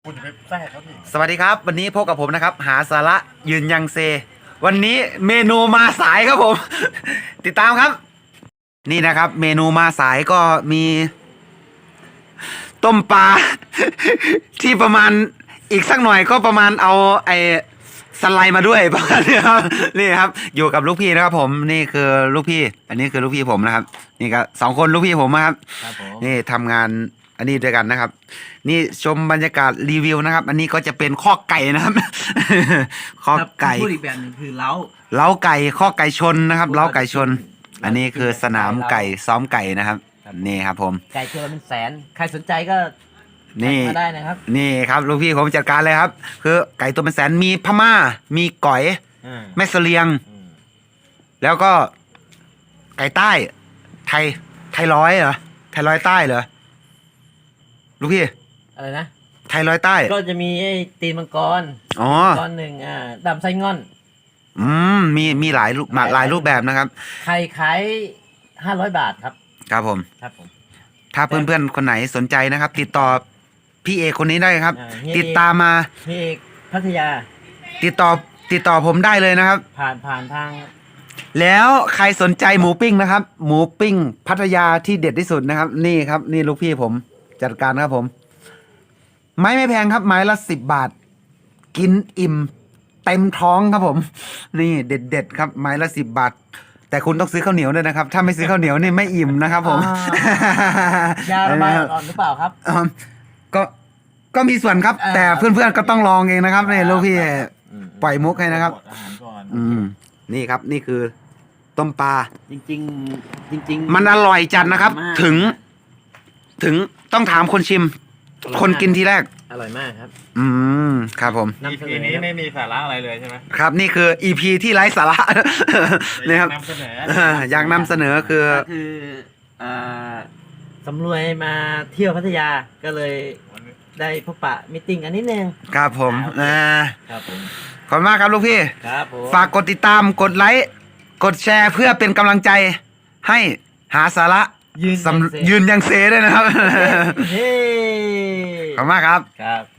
คุณจะไปแทรกเขาดิสวัสดีครับ วันนี้พบกับผมนะครับ หาสาระยืนยังเซ วันนี้เมนูมาสายครับผม ติดตามครับ นี่นะครับ เมนูมาสายก็มีต้มปลา ที่ประมาณอีกสักหน่อยก็ประมาณเอาไอ้สไลด์มาด้วย ประมาณนี้ครับนี่ครับ อยู่กับลูกพี่นะครับ ผมนี่คือลูกพี่ อันนี้คือลูกพี่ผมนะครับ นี่ก็สองคนลูกพี่ผมนะครับครับผมนี่ทำงานอันนี้ด้วยกันนะครับ นี่ชมบรรยากาศรีวิวนะครับ อันนี้ก็จะเป็นข้อไก่นะครับ ข้อไก่พูดอีกแบบหนึ่งคือเล้าเล้าไก่ข้อไก่ชนนะครับเล้าไก่ชน อันนี้คือสนามไก่ซ้อมไก่นะครับนี่ครับผมไก่ตัวละเป็นแสน ใครสนใจก็นี่มาได้นะครับนี่ครับลูกพี่ผมจัดการเลยครับ คือไก่ตัวเป็นแสนมีพม่า มีก๋อยอืมแม่เสลียงอืมแล้วก็ไก่ใต้ ไทยร้อยเหรอไทยร้อยใต้เหรอลูกพี่อะไรนะไทยร้อยใต้ก็จะมีไอ้ตีนมังกรอ๋อตอนหนึ่งดำไส้ง่อนมีหลายรูปแบบนะครับไข่ขาย500 บาทครับครับผมครับผมถ้าเพื่อนๆคนไหนสนใจนะครับ ติดต่อพี่เอกคนนี้ได้ครับเฮียติดตามมาพี่เอกพัทยาติดต่อผมได้เลยนะครับผ่านทางแล้วใครสนใจหมูปิ้งนะครับ หมูปิ้งพัทยาที่เด็ดที่สุดนะครับ นี่ครับ นี่ลูกพี่ผมจัดการครับผม ไม้ไม่แพงครับ ไม้ละ10 บาท กินอิ่มเต็มท้องครับผม นี่เด็ดๆครับ ไม้ละ10 บาท แต่คุณต้องซื้อข้าวเหนียวด้วยนะครับ ถ้าไม่ซื้อข้าวเหนียวนี่ไม่อิ่มนะครับผมยาระบายอ่อนๆหรือเปล่าครับก็มีส่วนครับ แต่เพื่อนๆก็ต้องลองเองนะครับนี่ลูกพี่ปล่อยมุกให้นะครับอาหารก่อนนี่ครับนี่คือต้มปลาจริงๆจริงๆมันอร่อยจัดนะครับมากถึงต้องถามคนชิม คนกินทีแรกอร่อยมากครับครับผมนำเสนทีอนี้ครับไม่มีสาระอะไรเลยใช่ไหมครับนี่คือ EP ที่ไร้สาระ นี่ครับนำเสนออยากนำเสนอคือก็คืออ่าสำรวยมาเที่ยวพัทยาก็เลยได้พบปะมิทติ้งกันนิดนึงครับผมครับผมขอบคุณมากครับลูกพี่ครับผมฝากกดติดตามกดไลค์กดแชร์เพื่อเป็นกำลังใจให้หาสาระยืนยืนยังเซด้วยนะครับเฮ้ขอบคุณมากครับครับ